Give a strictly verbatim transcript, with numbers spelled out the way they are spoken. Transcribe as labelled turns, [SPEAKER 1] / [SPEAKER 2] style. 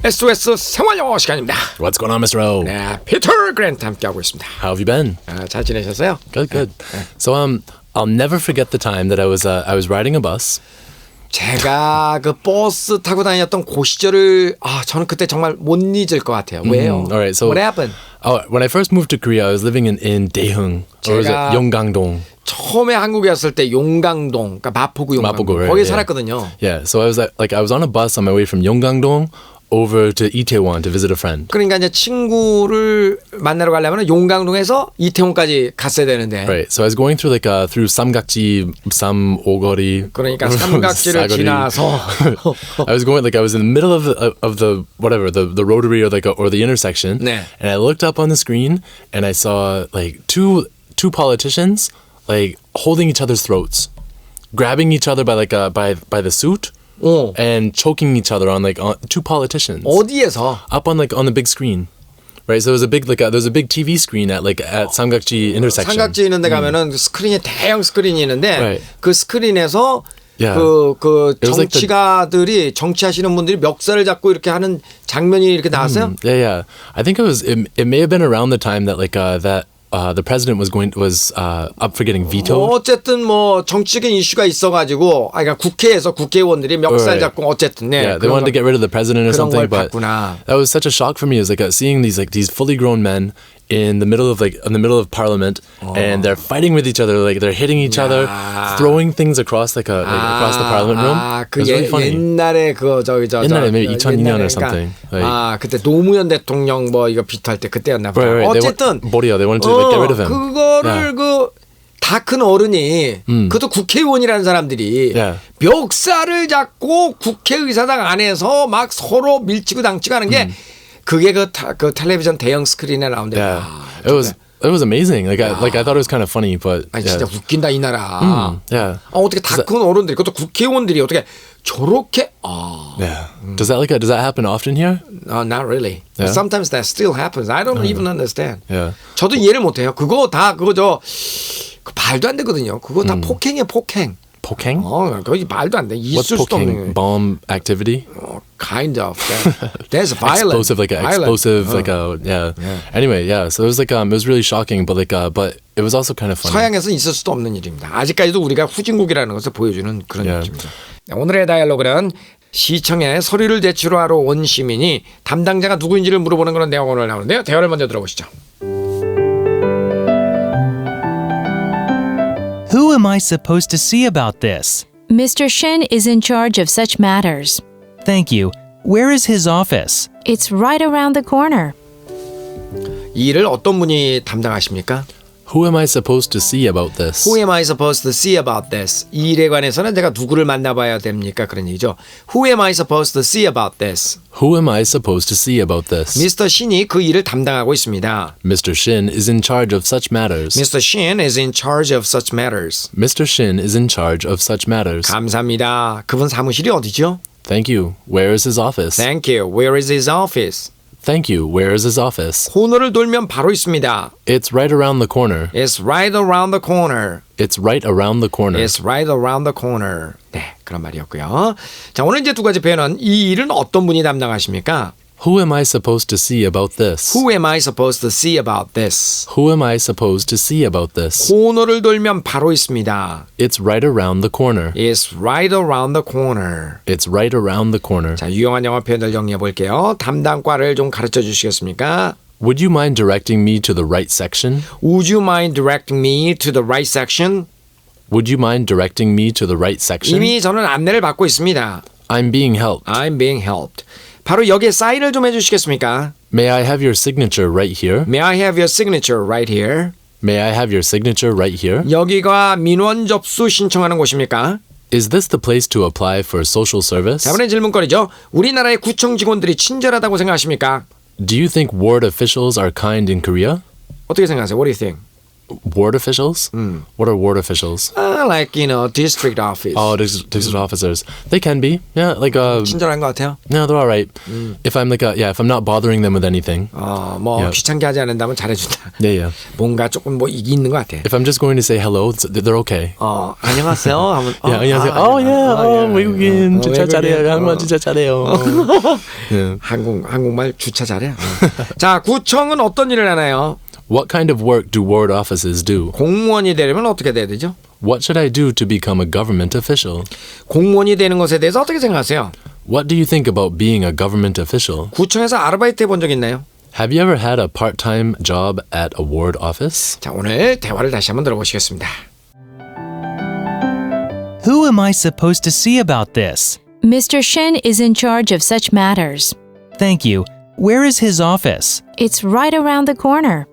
[SPEAKER 1] 에스오에스 생활영어 시간입니다.
[SPEAKER 2] What's going on, mister O?
[SPEAKER 1] 네, 피터 그랜트 함께하고 있습니다.
[SPEAKER 2] How have you been?
[SPEAKER 1] 아, 잘 지내셨어요?
[SPEAKER 2] Good, good. So um, I'll never forget the time that I was uh, I was riding a bus.
[SPEAKER 1] 제가 그 버스 타고 다녔던 그 시절을 아 저는 그때 정말 못 잊을 것 같아요. 왜요?
[SPEAKER 2] Mm, all right, so
[SPEAKER 1] What happened?
[SPEAKER 2] Oh, when I first moved to Korea, I was living in in Daeheung, or was it
[SPEAKER 1] 제가-
[SPEAKER 2] Yonggangdong?
[SPEAKER 1] 처음에 한국에 왔을 때 용강동, 그러니까 마포구 용강동
[SPEAKER 2] 마포구, right,
[SPEAKER 1] 거기
[SPEAKER 2] yeah.
[SPEAKER 1] 살았거든요.
[SPEAKER 2] Yeah, so I was at, like I was on a bus on my way from Yonggangdong over to Itaewon to visit a friend.
[SPEAKER 1] 그러니까 이제 친구를 만나러 가려면 용강동에서 이태원까지 갔어야 되는데
[SPEAKER 2] Right, so I was going through like uh, through Samgakji, Samogori.
[SPEAKER 1] 그러니까 삼각지를
[SPEAKER 2] Sagori.
[SPEAKER 1] 지나서
[SPEAKER 2] I was going like I was in the middle of the of the whatever the the rotary or like a, or the intersection,
[SPEAKER 1] 네.
[SPEAKER 2] and I looked up on the screen and I saw like two two politicians like holding each other's throats, grabbing each other by like uh, by by the suit,
[SPEAKER 1] 어.
[SPEAKER 2] and choking each other on like on, two politicians
[SPEAKER 1] 어디에서
[SPEAKER 2] up on like on the big screen. Right, so there was a big like a, there was a big T V screen at like at Samgakji intersection.
[SPEAKER 1] 삼각지 있는 데 가면은 스크린에 대형 스크린이 있는데
[SPEAKER 2] Right.
[SPEAKER 1] 그 스크린에서
[SPEAKER 2] Yeah.
[SPEAKER 1] 그, 그
[SPEAKER 2] It was like the-
[SPEAKER 1] 정치가들이 정치하시는 분들이 멱살을 잡고 이렇게 하는 장면이 이렇게 나왔어요.
[SPEAKER 2] Yeah, yeah. I think it was. It, it may have been around the time that like uh, that uh, the president was going was uh, up for getting vetoed.
[SPEAKER 1] 뭐 어쨌든 뭐 정치적인 이슈가 있어가지고 아 그러니까 국회에서 국회의원들이 멱살
[SPEAKER 2] Right.
[SPEAKER 1] 잡고 어쨌든 네.
[SPEAKER 2] Yeah, they
[SPEAKER 1] 그런
[SPEAKER 2] wanted to
[SPEAKER 1] 걸-
[SPEAKER 2] get rid of the president or
[SPEAKER 1] 그런 걸
[SPEAKER 2] something, but
[SPEAKER 1] 봤구나.
[SPEAKER 2] that was such a shock for me. It was like uh, seeing these like these fully grown men in the middle of like in the middle of parliament, and they're fighting with each other, like they're hitting each other,
[SPEAKER 1] 야.
[SPEAKER 2] throwing things across like, a, like across the parliament room.
[SPEAKER 1] 아,
[SPEAKER 2] It
[SPEAKER 1] 그
[SPEAKER 2] was really
[SPEAKER 1] 예,
[SPEAKER 2] funny.
[SPEAKER 1] 옛날에 그 저기 저
[SPEAKER 2] 옛날에
[SPEAKER 1] 저,
[SPEAKER 2] maybe
[SPEAKER 1] 저,
[SPEAKER 2] 이천이 년 or
[SPEAKER 1] 옛날에
[SPEAKER 2] something.
[SPEAKER 1] 그러니까,
[SPEAKER 2] Like-
[SPEAKER 1] 아 그때 노무현 대통령 뭐 이거 비토할 때 그때였나 보다.
[SPEAKER 2] Right, right. They
[SPEAKER 1] 어쨌든
[SPEAKER 2] want, Boria, they wanted to like, get rid of him.
[SPEAKER 1] 그거를
[SPEAKER 2] Yeah.
[SPEAKER 1] 그 다 큰 어른이
[SPEAKER 2] 음.
[SPEAKER 1] 그것도 국회의원이라는 사람들이
[SPEAKER 2] Yeah.
[SPEAKER 1] 멱살을 잡고 국회의사당 안에서 막 서로 밀치고 당치고 하는 게 그게 그, 타, 그 텔레비전 대형 스크린에 나온대.
[SPEAKER 2] Yeah,
[SPEAKER 1] 아,
[SPEAKER 2] it was it was amazing. Like I like I thought it was kind of funny, but
[SPEAKER 1] 아니
[SPEAKER 2] yeah.
[SPEAKER 1] 진짜 웃긴다 이 나라.
[SPEAKER 2] yeah.
[SPEAKER 1] 아, 어떻게 다 큰 어른들이 그것도 국회의원들이 어떻게 저렇게 아
[SPEAKER 2] Yeah. Does that like does that happen often here?
[SPEAKER 1] Uh, not really.
[SPEAKER 2] Yeah?
[SPEAKER 1] Sometimes that still happens. I don't even understand.
[SPEAKER 2] Yeah.
[SPEAKER 1] 저도 이해를 못해요. 그거 다 그거 저 그 말도 안 되거든요. 그거 다 폭행이에요, 폭행.
[SPEAKER 2] Poking?
[SPEAKER 1] 어, 거기 말도 안 돼.
[SPEAKER 2] What's
[SPEAKER 1] 있을 수도 없는.
[SPEAKER 2] poking? Bomb activity?
[SPEAKER 1] 어, kind of. That, that's violent.
[SPEAKER 2] Explosive, like a
[SPEAKER 1] Violent.
[SPEAKER 2] explosive,
[SPEAKER 1] 어.
[SPEAKER 2] like a yeah.
[SPEAKER 1] Yeah.
[SPEAKER 2] Anyway, yeah. So it was like um, it was really shocking, but like uh, but it was also kind of funny.
[SPEAKER 1] 서양에서 있을 수도 없는 일입니다. 아직까지도 우리가 후진국이라는 것을 보여주는 그런
[SPEAKER 2] Yeah.
[SPEAKER 1] 느낌이죠. 네, 오늘의 다이얼로그는 시청에 서류를 제출하러 온 시민이 담당자가 누구인지를 물어보는 그런 내용 오늘 나오는데요. 대화를 먼저 들어보시죠.
[SPEAKER 3] Who am I supposed to see about this?
[SPEAKER 4] Mister Shin is in charge of such matters.
[SPEAKER 3] Thank you. Where is his office?
[SPEAKER 4] It's right around the corner.
[SPEAKER 1] 이 일을 어떤 분이 담당하십니까?
[SPEAKER 2] Who am I supposed to see about this?
[SPEAKER 1] Who am I supposed to see about this? 이 일에 관해서는 내가 누구를 만나봐야 됩니까? 그런 얘기죠. Who am I supposed to see about this?
[SPEAKER 2] Who am I supposed to see about this?
[SPEAKER 1] 미스터 신이 그 일을 담당하고 있습니다.
[SPEAKER 2] Mister Shin is in charge of such matters.
[SPEAKER 1] 미스터 신 is in charge of such matters.
[SPEAKER 2] Mister Shin is in charge of such matters.
[SPEAKER 1] 감사합니다. 그분 사무실이 어디죠?
[SPEAKER 2] Thank you. Where is his office?
[SPEAKER 1] Thank you. Where is his office?
[SPEAKER 2] Thank you. Where is his office?
[SPEAKER 1] 코너를 돌면 바로 있습니다.
[SPEAKER 2] It's right around the corner.
[SPEAKER 1] It's right around the corner.
[SPEAKER 2] It's right around the corner.
[SPEAKER 1] It's right around the corner. 네, 그런 말이었고요. 자, 오늘 이제 두 가지 표현은 이 일은 어떤 분이 담당하십니까?
[SPEAKER 2] Who am I supposed to see about this?
[SPEAKER 1] Who am I supposed to see about this?
[SPEAKER 2] Who am I supposed to see about this?
[SPEAKER 1] 코너를 돌면 바로 있습니다.
[SPEAKER 2] It's right around the corner.
[SPEAKER 1] It's right around the corner.
[SPEAKER 2] It's right around the corner.
[SPEAKER 1] 자, 유용한 영어 표현들 정리해 볼게요. 담당과를 좀 가르쳐 주시겠습니까?
[SPEAKER 2] Would you mind directing me to the right section?
[SPEAKER 1] Would you mind directing me to the right section?
[SPEAKER 2] Would you mind directing me to the right section?
[SPEAKER 1] 이미 저는 안내를 받고 있습니다.
[SPEAKER 2] I'm being helped.
[SPEAKER 1] I'm being helped. 바로 여기에 사인을 좀 해주시겠습니까?
[SPEAKER 2] May I have your signature right here?
[SPEAKER 1] May I have your signature right here?
[SPEAKER 2] May I have your signature right here?
[SPEAKER 1] 여기가 민원 접수 신청하는 곳입니까?
[SPEAKER 2] Is this the place to apply for social service?
[SPEAKER 1] 자, 이번엔 질문거리죠. 우리나라의 구청 직원들이 친절하다고 생각하십니까?
[SPEAKER 2] Do you think ward officials are kind in Korea?
[SPEAKER 1] 어떻게 생각하세요? What do you think?
[SPEAKER 2] ward officials? What are ward officials?
[SPEAKER 1] Uh, like you know, district office.
[SPEAKER 2] Oh, district, district officers. They can be. Yeah, like uh,
[SPEAKER 1] 친절한 것 같아요.
[SPEAKER 2] no, they're all right. If I'm like a, yeah, if I'm not bothering them with anything.
[SPEAKER 1] 어, 뭐
[SPEAKER 2] Yeah.
[SPEAKER 1] 귀찮게 하지 않는다면 잘해준다.
[SPEAKER 2] Yeah, yeah.
[SPEAKER 1] 뭔가 조금 뭐 이게 있는 것 같아.
[SPEAKER 2] If I'm just going to say hello, it's- they're okay.
[SPEAKER 1] 어, 안녕하세요. 하면 어,
[SPEAKER 2] Yeah, 안녕하세요.
[SPEAKER 1] 아,
[SPEAKER 2] Oh yeah,
[SPEAKER 1] 아,
[SPEAKER 2] oh
[SPEAKER 1] 예,
[SPEAKER 2] 외국인
[SPEAKER 1] 어,
[SPEAKER 2] 진짜 잘해요.
[SPEAKER 1] 외국인.
[SPEAKER 2] 한국말
[SPEAKER 1] 어.
[SPEAKER 2] 진짜 잘해요. Yeah.
[SPEAKER 1] 한국 한국말 주차 잘해. 어. 자, 구청은 어떤 일을 하나요?
[SPEAKER 2] What kind of work do ward offices do?
[SPEAKER 1] 공무원이 되려면 어떻게 돼야 되죠?
[SPEAKER 2] What should I do to become a government official?
[SPEAKER 1] 공무원이 되는 것에 대해서 어떻게 생각하세요?
[SPEAKER 2] What do you think about being a government official?
[SPEAKER 1] 구청에서 아르바이트 해본 적 있나요?
[SPEAKER 2] Have you ever had a part-time job at a ward office?
[SPEAKER 1] 자, 오늘 대화를 다시 한번 들어보시겠습니다.
[SPEAKER 3] Who am I supposed to see about this?
[SPEAKER 4] Mister Shin is in charge of such matters.
[SPEAKER 3] Thank you. Where is his office?
[SPEAKER 4] It's right around the corner.